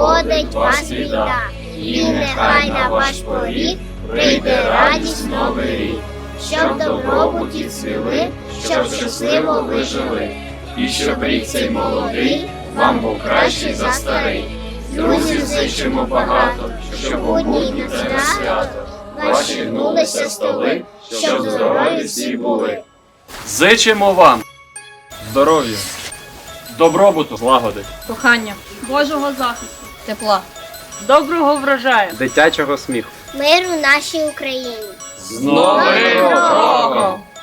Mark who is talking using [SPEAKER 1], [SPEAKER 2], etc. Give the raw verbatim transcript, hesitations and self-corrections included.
[SPEAKER 1] обходить вас біда, і нехай на ваш поріг прийде радість новий рік, щоб добробуті цвіли, щоб щасливо ви жили, і щоб рік цей молодий вам був кращий за старий. Друзів зичимо багато, щоб у дні на це свято ваші гнулися столи, щоб здорові всі були.
[SPEAKER 2] Зичимо вам здоров'я, добробуту, злагоди,
[SPEAKER 3] Кохання, Божого захисту,
[SPEAKER 4] Тепла.
[SPEAKER 3] доброго врожаю,
[SPEAKER 2] дитячого сміху.
[SPEAKER 1] Миру нашій Україні!
[SPEAKER 2] З Новим роком!